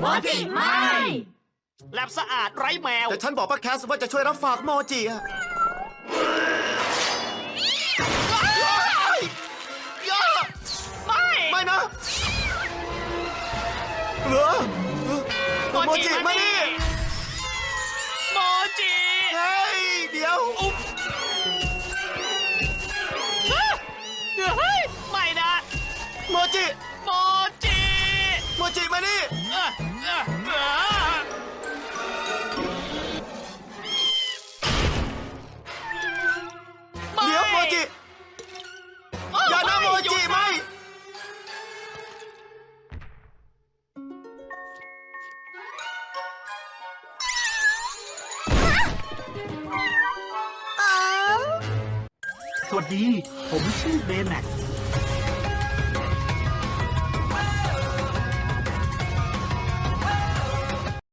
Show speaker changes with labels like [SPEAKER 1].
[SPEAKER 1] โมจิไม่
[SPEAKER 2] แลบสะอาดไร้แมว
[SPEAKER 3] แต่ฉันบอกป้าแคสว่าจะช่วยรับฝากโมจิอะ
[SPEAKER 2] ไม่
[SPEAKER 3] ไม่นะเหรอโมจิมานี่
[SPEAKER 2] โมจิ
[SPEAKER 3] เฮ้ยเดี๋ยว
[SPEAKER 2] เฮ้ยไม่นะ
[SPEAKER 3] โมจิ
[SPEAKER 2] โมจิ
[SPEAKER 3] โมจิมานี่
[SPEAKER 2] เอ่อเอ่อเอ่อ
[SPEAKER 3] เดี๋ยวโมจิอย่านะโมจิไม่
[SPEAKER 4] สวัสดี ผมชื่อเบแม็กซ์